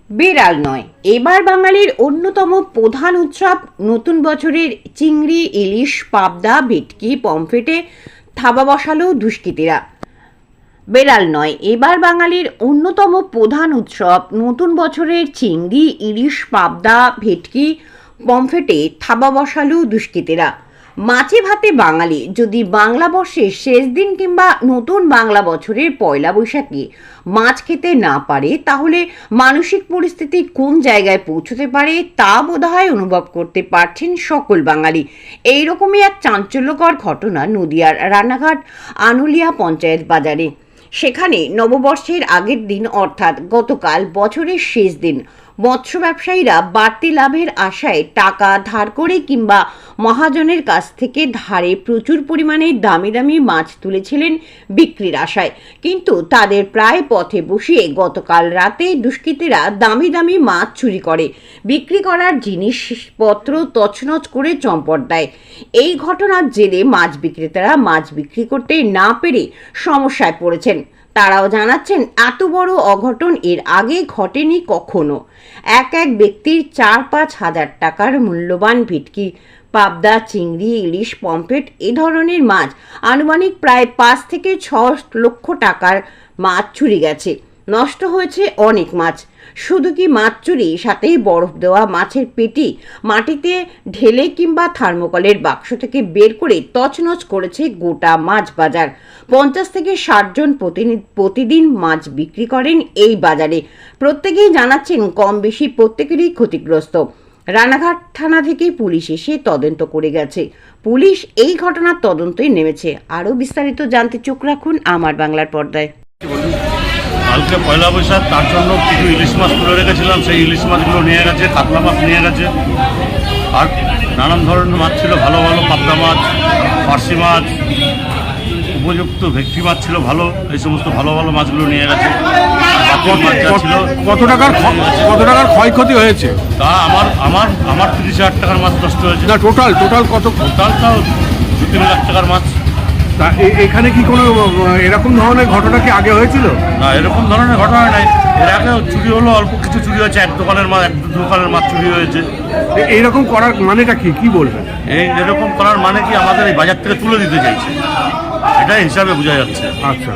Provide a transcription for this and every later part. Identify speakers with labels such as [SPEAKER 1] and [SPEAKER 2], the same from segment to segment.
[SPEAKER 1] বিড়াল নয়, এবার বাঙালির অন্যতম প্রধান উৎসব নতুন বছরের চিংড়ি, ইলিশ, পাবদা, ভেটকি, পমফ্রেটে থাবা বসালো দুষ্কৃতীরা। বেড়াল নয়, এবার বাঙালির অন্যতম প্রধান উৎসব নতুন বছরের চিংড়ি, ইলিশ, পাবদা, ভেটকি, পমফ্রেটে থাবা বসালো দুষ্কৃতীরা। মাছে ভাতে বাঙালি যদি বাংলা বর্ষের শেষ দিন কিংবা নতুন বাংলা বছরের পয়লা বৈশাখে মাছ খেতে না পারে, তাহলে মানসিক পরিস্থিতি কোন জায়গায় পৌঁছতে পারে তা বোধহয় অনুভব করতে পারছেন সকল বাঙালি। এইরকমই এক চাঞ্চল্যকর ঘটনা নদিয়ার রানাঘাট আনুলিয়া পঞ্চায়েত বাজারে। সেখানে নববর্ষের আগের দিন অর্থাৎ গতকাল বছরের শেষ দিন মৎস্য ব্যবসায়ীরা বাড়তি লাভের আশায় টাকা ধার করে কিংবা মহাজনের কাছ থেকে ধারে প্রচুর পরিমাণে দামি দামি মাছ তুলেছিলেন বিক্রির আশায়, কিন্তু তাদের প্রায় পথে বসিয়ে গতকাল রাতে দুষ্কৃতীরা দামি দামি মাছ চুরি করে বিক্রি করার জিনিসপত্র তছনছ করে চম্পট দেয়। এই ঘটনার জেরে মাছ বিক্রেতারা মাছ বিক্রি করতে না পেরে সমস্যায় পড়েছেন। তারাও জানাচ্ছেন এত বড় অঘটন এর আগে ঘটেনি কখনো। এক ব্যক্তির 4-5 হাজার টাকার মূল্যবান ভেটকি, পাবদা, চিংড়ি, ইলিশ, পমফ্রেট এ ধরনের মাছ আনুমানিক প্রায় 5 থেকে 6 লক্ষ টাকার মাছ চুরি গেছে। নষ্ট হয়েছে অনেক মাছ। শুধু কি মাছ চুরি, সাথেই বরফ দেওয়া মাছের পেটি মাটিতে ঢেলে কিংবা থার্মোকলের বাক্স থেকে বের করে তছনছ করেছে গোটা মাছ বাজার। 50 থেকে 60 জন প্রতিদিন মাছ বিক্রি করেন এই বাজারে। প্রত্যেকেই জানাচ্ছেন কম বেশি প্রত্যেকেরই ক্ষতিগ্রস্ত। রানাঘাট থানা থেকে পুলিশ এসে তদন্ত করে গেছে। পুলিশ এই ঘটনার তদন্তে নেমেছে। আরও বিস্তারিত জানতে চোখ রাখুন আমার বাংলার পর্দায়।
[SPEAKER 2] কালকে পয়লা বৈশাখ, তার জন্য কিছু ইলিশ মাছ তুলে রেখেছিলাম, সেই ইলিশ মাছগুলো নিয়ে গেছে, কাতলা মাছ নিয়ে গেছে, আর নানান ধরনের মাছ ছিল, ভালো ভালো পাবদা মাছ, পার্শি মাছ, উপযুক্ত ভেটকি মাছ ছিল ভালো, এই সমস্ত ভালো ভালো মাছগুলো নিয়ে গেছে।
[SPEAKER 3] কত টাকার ক্ষয়ক্ষতি হয়েছে?
[SPEAKER 2] তা আমার 30,000 টাকার মাছ নষ্ট হয়েছে।
[SPEAKER 3] না, টোটাল কত?
[SPEAKER 2] টোটাল তাও 2-3 লাখ টাকার মাছ।
[SPEAKER 3] তা এখানে কি কোনো এরকম ধরনের ঘটনা কি আগে হয়েছিল?
[SPEAKER 2] না, এরকম ধরনের ঘটনা নাই। এর আগে চুরি হলো, অল্প কিছু চুরি হয়েছে, এক দোকানের মাছ চুরি হয়েছে।
[SPEAKER 3] এইরকম করার মানেটা কি বলবেন?
[SPEAKER 2] এরকম করার মানে কি, আমাদের এই বাজার থেকে তুলে দিতে চাইছে, এটাই হিসাবে বোঝা যাচ্ছে।
[SPEAKER 3] আচ্ছা,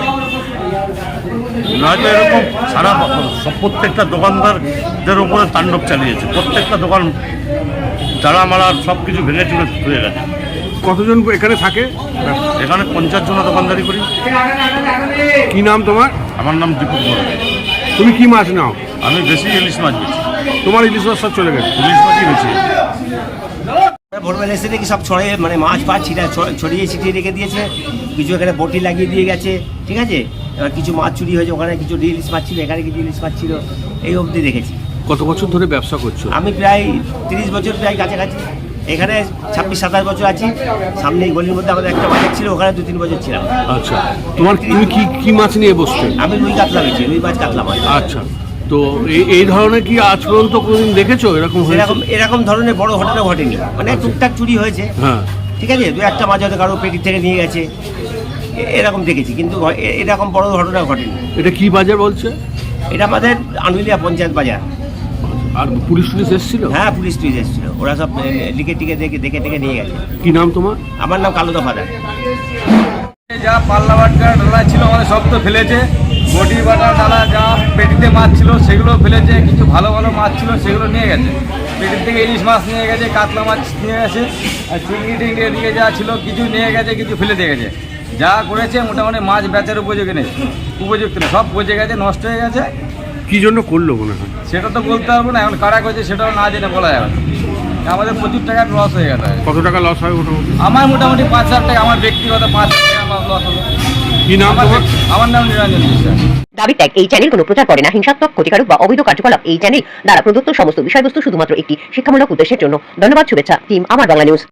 [SPEAKER 2] নয়তো এরকম সারা প্রত্যেকটা দোকানদারদের উপরে তাণ্ডব চালিয়েছে। প্রত্যেকটা দোকান তালা মারা সব কিছু ভেঙে চুরে হয়ে গেছে।
[SPEAKER 3] কতজন এখানে থাকে?
[SPEAKER 2] এখানে 50 জন দোকানদারি করি।
[SPEAKER 3] কি নাম তোমার?
[SPEAKER 2] আমার নাম দীপক বড়।
[SPEAKER 3] তুমি কি মাছ নাও?
[SPEAKER 2] আমি বেশি ইলিশ মাছ বেছি।
[SPEAKER 3] তোমার ইলিশ মাছ সব চলে গেছে?
[SPEAKER 2] ইলিশ মাছই বেছি।
[SPEAKER 4] ভোরবেলা এসে দেখি সব ছড়িয়ে, মানে মাছ ছড়িয়ে ছিটিয়ে রেখে দিয়েছে। কিছু এখানে বটি লাগিয়ে দিয়ে গেছে, ঠিক আছে। এবার কিছু মাছ চুরি হয়েছে, ওখানে কিছু ইলিশ মাছ ছিল, এখানে কিছু ইলিশ মাছ ছিল, এই অবধি দেখেছি।
[SPEAKER 3] কত বছর ধরে ব্যবসা করছো?
[SPEAKER 4] আমি প্রায় 30 বছর প্রায় কাছাকাছি। এখানে 26-27 বছর আছি। সামনে এই গলির মধ্যে আমাদের একটা বাজার ছিল, ওখানে 2-3 বছর ছিলাম।
[SPEAKER 3] আচ্ছা, তুমি কি মাছ নিয়ে বসছো?
[SPEAKER 4] আমি রুই কাতলা বেছি, রুই মাছ, কাতলা মাছ।
[SPEAKER 3] আচ্ছা, তো এই ধরনের কি আজ পর্যন্ত কোনোদিন দেখেছো
[SPEAKER 4] এরকম ধরনের বড় ঘটনা ঘটেনি। মানে টুকটাক চুরি হয়েছে,
[SPEAKER 3] হ্যাঁ,
[SPEAKER 4] ঠিক আছে। 2-1টা মাছ হয়তো কারো পেটি থেকে নিয়ে গেছে, এরকম দেখেছি, কিন্তু এরকম বড় ঘটনা ঘটেনি।
[SPEAKER 3] এটা কি বাজার বলছে?
[SPEAKER 4] এটা আমাদের আনুলিয়া পঞ্চায়েত বাজার।
[SPEAKER 3] আর পুলিশ এসেছিল?
[SPEAKER 4] হ্যাঁ, পুলিশ এসেছিল। ওরা সব লিখে টিকে দেখে নিয়ে গেছে।
[SPEAKER 3] কি নাম তোমার?
[SPEAKER 4] আমার নাম কালো দফাদার।
[SPEAKER 5] যা পাল্লা বাটকা ডালা ছিল আমাদের সব তো ফেলেছে। বটি বাটা ডালা যা পেটিতে মাছ ছিল সেগুলো ফেলেছে। কিছু ভালো ভালো মাছ ছিল সেগুলো নিয়ে গেছে। পেটির থেকে ইলিশ মাছ নিয়ে গেছে, কাতলা মাছ নিয়ে গেছে, আর চিংড়ি এদিকে যা ছিল কিছু নিয়ে গেছে, কিছু ফেলে দিয়ে গেছে। যা করেছে মোটামুটি মাছ বেচার উপযোগী নেই, উপযুক্ত নেই, সব পচে গেছে, নষ্ট হয়ে গেছে।
[SPEAKER 3] কি জন্য করলো মনে হয়?
[SPEAKER 5] সেটা তো বলতে পারবো না, এখন কারা করেছে সেটাও না জেনে বলা যাবে না। আমাদের প্রচুর টাকার লস হয়ে গেছে।
[SPEAKER 3] কত টাকা লস হয় মোটামুটি?
[SPEAKER 5] আমার মোটামুটি 5,000 টাকা, আমার ব্যক্তিগত 5,000 টাকা আমার লস হলো।
[SPEAKER 3] কি নাম তোমার?
[SPEAKER 5] আমার নাম নিরঞ্জন বিশ্বাস।
[SPEAKER 1] দাবি ত্যাগ। এই চ্যানেল কোনো প্রচার করে না হিংসাত্মক, ক্ষতিকারক বা অবৈধ কার্যকলাপ। এই চ্যানেল দ্বারা প্রদত্ত সমস্ত বিষয়বস্তু শুধুমাত্র একটি শিক্ষামূলক উদ্দেশ্যের জন্য। ধন্যবাদ। শুভেচ্ছা টিম আমার বাংলা নিউজ।